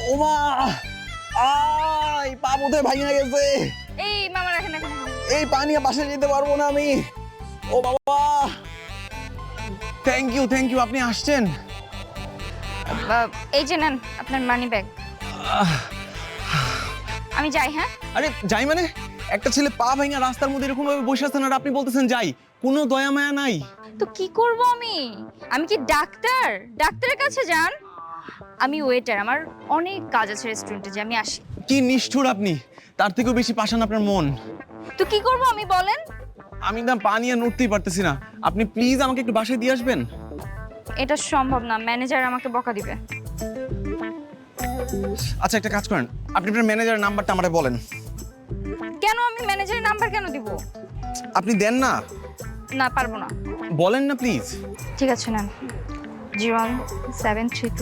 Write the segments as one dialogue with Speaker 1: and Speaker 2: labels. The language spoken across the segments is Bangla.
Speaker 1: ওমা এই পা বোধহয় ভাঙে গেছে।
Speaker 2: এই মামা রাখেন রাখেন।
Speaker 1: এই পা নিয়ে বাসায় যেতে পারবো না আমি। ও বাবা, থ্যাংক ইউ, আপনি আসছেন।
Speaker 2: এই যে নেন আপনার মানি ব্যাগ। আমি যাই। হ্যাঁ
Speaker 1: আরে যাই মানে? একটা ছেলে পা ভাঙা রাস্তার মধ্যে এরকম ভাবে বসে আছেন আর আপনি বলতেছেন যাই? কোনো দয়া মায়া নাই?
Speaker 2: তো কি করব আমি? আমি কি ডাক্তার? ডাক্তারের কাছে যান। আমি ওয়েটার, আমার অনেক কাজ আছে রেস্টুরেন্টে, যে আমি আসি।
Speaker 1: কি নিষ্ঠুর আপনি! তার থেকেও বেশি পাষাণ আপনার মন।
Speaker 2: তো কি করব আমি বলেন?
Speaker 1: আমি না পা নিয়ে নড়তেই পারতেছি না। আপনি প্লিজ আমাকে একটু বাসায় দিয়ে আসবেন।
Speaker 2: এটা সম্ভব না, ম্যানেজার আমাকে বকা দিবে।
Speaker 1: আচ্ছা একটা কাজ করেন, আপনি আপনার ম্যানেজারের নাম্বারটা আমারে বলেন।
Speaker 2: কেন? আমি ম্যানেজারের নাম্বার কেন দিব?
Speaker 1: আপনি দেন না।
Speaker 2: না, পারবো না।
Speaker 1: বলেন না প্লিজ।
Speaker 2: ঠিক আছে নেন, 01732।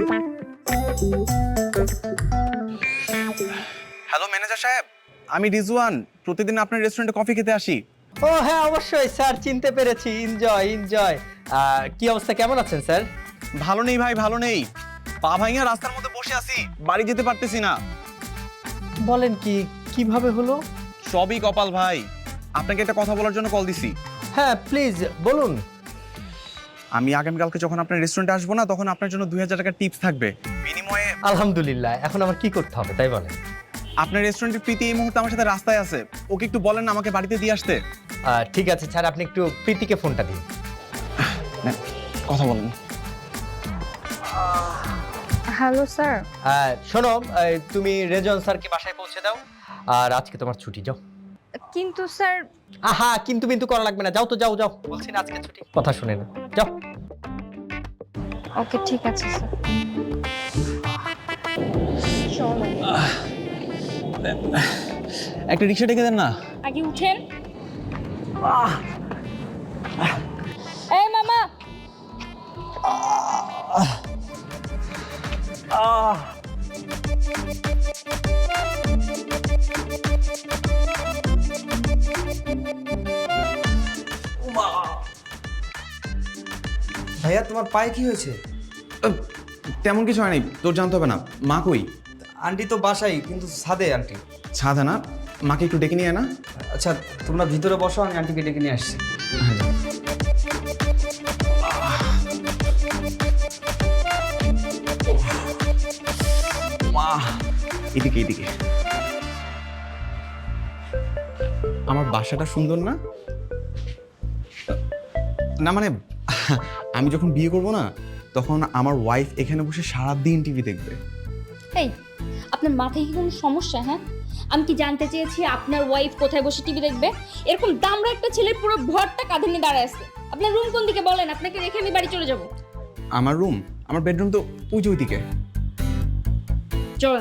Speaker 1: হ্যালো ম্যানেজার সাহেব, আমি রিজওয়ান, প্রতিদিন আপনার রেস্টুরেন্টে কফি খেতে আসি।
Speaker 3: ও হ্যাঁ, অবশ্যই স্যার, চিনতে পেরেছি। এনজয়। কি অবস্থা, কেমন আছেন স্যার?
Speaker 1: ভালো নেই ভাই, ভালো নেই। পা ভাঙা রাস্তার মধ্যে বসে আছি, বাড়ি যেতে পারতেছি না।
Speaker 3: বলেন কি, কিভাবে হলো?
Speaker 1: সবই কপাল ভাই। আপনাকে একটা কথা বলার জন্য কল দিছি।
Speaker 3: হ্যাঁ প্লিজ বলুন।
Speaker 1: আমি আগামীকালকে যখন আপনার রেস্টুরেন্টে আসবো না, তখন আপনার জন্য 2000 টাকা টিপস থাকবে বিনিময়ে।
Speaker 3: আলহামদুলিল্লাহ, এখন আমার কি করতে হবে তাই বলেন।
Speaker 1: আপনার রেস্টুরেন্টের প্রীতি এই মুহূর্তে আমার সাথে রাস্তায় আছে, ওকে একটু বলেন না আমাকে বাড়িতে দিয়ে আসতে।
Speaker 3: ঠিক আছে স্যার, আপনি একটু প্রীতিকে ফোনটা দিন।
Speaker 1: কথা বলেন।
Speaker 2: Hello sir.
Speaker 3: শোনো, তুমি রেজন স্যারকে বাসায় পৌঁছে দাও, আর আজকে তোমার ছুটি, যাও।
Speaker 2: কিন্তু স্যার।
Speaker 3: আহা, কিন্তু করা লাগবে না, যাও তো, যাও বলছি না আজকে ছুটি, কথা শুনে না, যাও।
Speaker 2: ওকে ঠিক আছে স্যার।
Speaker 1: একটা রিক্সা ডেকে দেন না।
Speaker 2: আগে উঠেন। এই মামা।
Speaker 4: ভাইয়া, তোমার পায়ে কি হয়েছে?
Speaker 1: তেমন কিছু হয়নি, তোর জানতে হবে না। মা কই?
Speaker 4: আন্টি তো বাসাই, কিন্তু ছাদে আন্টি।
Speaker 1: ছাদে না? মাকে একটু ডেকে নিয়ে আয় না।
Speaker 4: আচ্ছা, তোমরা ভিতরে বসো, আমি আন্টিকে ডেকে নিয়ে আসছি।
Speaker 1: মা, এদিকে। আমার বাসাটা সুন্দর না? না মানে আমি যখন বিয়ে করব না, তখন আমার ওয়াইফ এখানে বসে সারাদিন টিভি দেখবে।
Speaker 2: এই, আপনার মাথায় কি কোনো সমস্যা? হ্যাঁ, আমি কি জানতে চেয়েছি আপনার ওয়াইফ কোথায় বসে টিভি দেখবে? এরকম দামড়া একটা ছেলে পুরো ভরটা কাঁধে নিয়ে দাঁড়ায় আছে। আপনার রুম কোন দিকে বলেন, আপনাকে রেখে আমি বাড়ি চলে যাব।
Speaker 1: আমার রুম, আমার বেডরুম তো ওই যে ওইদিকে।
Speaker 2: চলুন।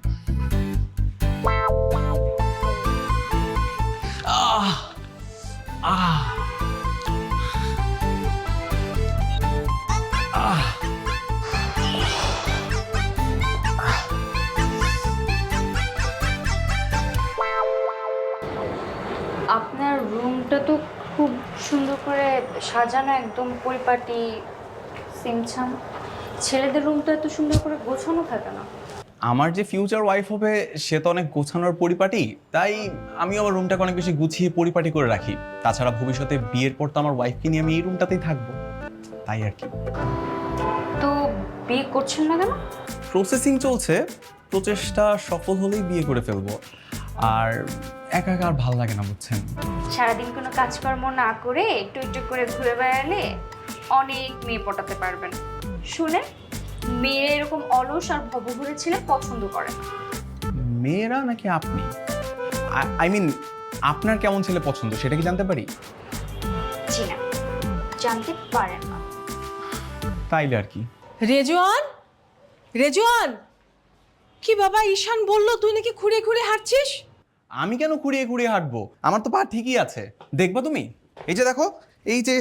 Speaker 2: আপনার রুমটা তো খুব সুন্দর করে সাজানো, একদম পরিপাটি সিমছাম। ছেলেদের রুমটা এত সুন্দর করে গোছানো থাকে না।
Speaker 1: আমার যে ফিউচার ওয়াইফ হবে সে তো অনেক গোছানোর পরিপাটি, তাই আমি আমার রুমটাকে অনেক বেশি গুছিয়ে পরিপাটি করে রাখি। তাছাড়া ভবিষ্যতে বিয়ের পর তো আমার ওয়াইফকে নিয়ে আমি এই রুমটাতেই থাকবো, তাই আর কি।
Speaker 2: তো বিয়ে করছেন না কেন?
Speaker 1: প্রসেসিং চলছে, প্রচেষ্টা সফল হলেই বিয়ে করে ফেলবো। আর একা একা আর ভালো লাগে না, বুঝছেন।
Speaker 2: সারাদিন কোনো কাজকর্ম না করে একটু একটু করে ঘুরে বেড়ালে অনেক মেয়ে পটাতে পারবেন। শুনে, মেয়ে এরকম অলস আর ভবঘুরে ছেলে পছন্দ করে না।
Speaker 1: মেয়েরা নাকি আপনি? আই মিন, আপনার কেমন ছেলে পছন্দ সেটা কি জানতে পারি?
Speaker 2: জি না, জানতে পারেন না।
Speaker 1: তাইলে আর কি।
Speaker 5: রেজওয়ান, কি বাবা, ঈশান বলল তুই নাকি খুঁড়ে খুঁড়ে হাঁটছিস?
Speaker 1: আমি কেন খুঁড়িয়ে খুঁড়িয়ে হাঁটবো? আমার তো পা ঠিকই আছে, দেখবা তুমি। এই যে দেখো, এই যে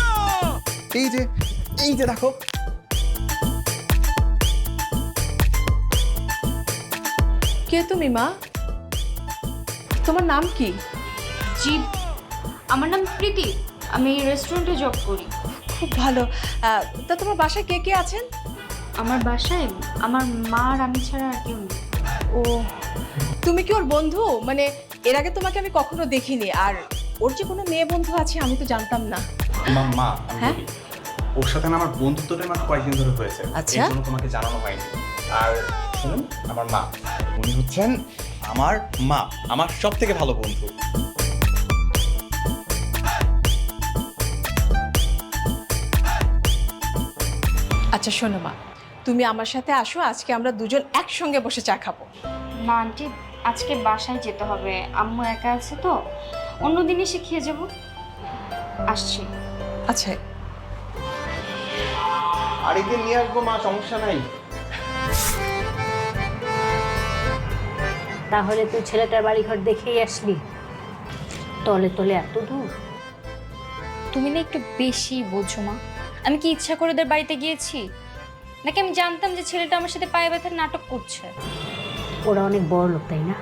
Speaker 1: দেখো।
Speaker 5: কে তুমি মা? তোমার নাম কি?
Speaker 2: জি, আমার নাম প্রীতি, আমি রেস্টুরেন্টে জব করি।
Speaker 5: খুব ভালো। তা তোমার বাসায় কে কে আছেন?
Speaker 2: আমার বাসায় আমার মা আর আমি ছাড়া আর কেউ নেই।
Speaker 5: ও, তুমি কি ওর বন্ধু? মানে এর আগে তোমাকে আমি কখনো দেখিনি, আর ওর যে কোনো মেয়ে বন্ধু আছে আমি তো জানতাম না।
Speaker 1: মা
Speaker 5: হ্যাঁ?
Speaker 1: ওর সাথে আমার বন্ধুত্বটা মাত্র কয়েকদিন ধরে হয়েছে,
Speaker 5: আচ্ছা।
Speaker 1: এই জন্য তোমাকে জানানো হয়নি। আর শুনুন, আমার মা, উনি হচ্ছেন আমার মা, আমার সব থেকে ভালো বন্ধু।
Speaker 5: আচ্ছা শোনো মা, তুমি আমার সাথে আসো, আজকে আমরা দুজন একসঙ্গে বসে চা খাবো।
Speaker 2: না আন্টি, আজকে বাসায় যেতে হবে, আম্মু একা আছে তো, অন্যদিন এসে খেয়ে যাব। আসছি।
Speaker 5: আচ্ছা,
Speaker 1: আরেকদিন নিয়ে আসবো মা, সমস্যা নাই।
Speaker 6: তাহলে তুই ছেলেটার বাড়িঘর দেখেই আসলি? তলে তলে এত দূর?
Speaker 2: তুমি না একটু বেশি বোঝো মা। আমি কি ইচ্ছা করে ওদের বাড়িতে গিয়েছি, নাকি আমি জানতাম যে ছেলেটা আমার সাথে পায়ে ব্যথার নাটক করছে?
Speaker 6: ওরা অনেক বড় লোক, তাই না?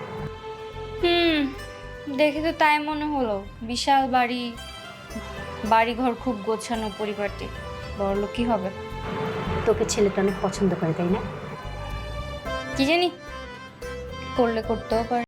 Speaker 2: দেখে তো তাই মনে হলো। বিশাল বাড়ি, বাড়িঘর, খুব গোছানো পরিবারটি, বড়লোক কি হবে?
Speaker 6: তোকে ছেলেটা অনেক পছন্দ করে, তাই না?
Speaker 2: কি জানি, করলে করতেও পারে।